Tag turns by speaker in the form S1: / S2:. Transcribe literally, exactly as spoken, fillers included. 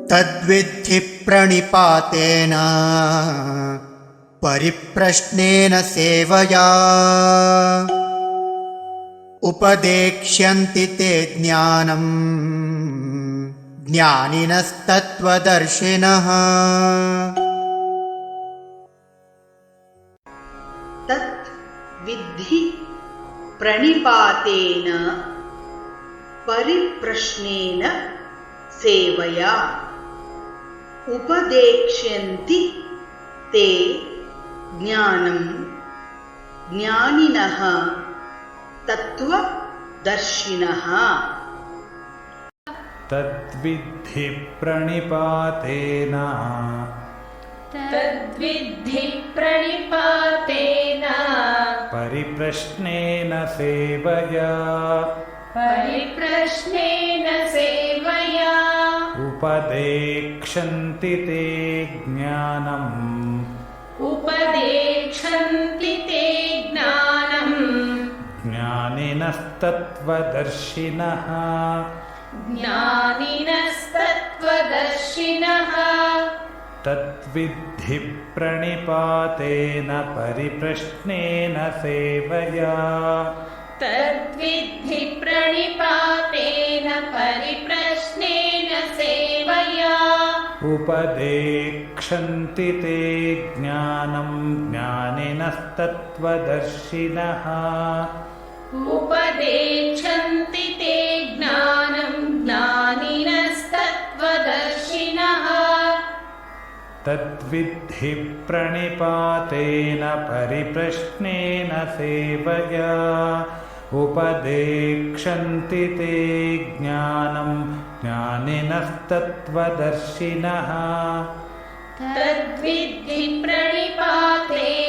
S1: तद्विद्धि प्रणिपातेन परिप्रश्नेन सेवया उपदेक्ष्यन्ति ते ज्ञानम् ज्ञानिनस्तत्त्वदर्शिनः।
S2: तत् विद्धि प्रणिपातेन परिप्रश्नेन सेवया उपदेक्ष्यन्ति ते ज्ञानं ज्ञानिनः तत्त्वदर्शिनः।
S3: तद्विद्धि प्रणिपातेन
S4: तद्विद्धि प्रणिपातेन
S3: परिप्रश्नेन सेवया
S4: परिप्रश्नेन सेवया
S3: उपदेक्ष्यन्ति ते ज्ञानम्
S4: उपदेक्ष्यन्ति ते ज्ञानम्
S3: ज्ञानिनस्तत्त्वदर्शिनः
S4: ज्ञानिनस्तत्त्वदर्शिनः।
S3: तद्विद्धि प्रणिपातेन परिप्रश्नेन सेवया
S4: तद्विद्धि प्रणिपातेन परिप्रश्नेन सेवया
S3: उपदेक्ष्यन्ति ते ज्ञानं ज्ञानिनस्तत्त्वदर्शिनः
S4: उपदेक्ष्यन्ति ते ज्ञानं ज्ञानिनस्तत्त्वदर्शिनः।
S3: तद्विद्धि प्रणिपातेन परिप्रश्नेन सेवया उपदेक्ष्यन्ति ते ज्ञानं ज्ञानिनस्तत्त्वदर्शिनः।
S4: तद्विद्धि प्रणिपातेन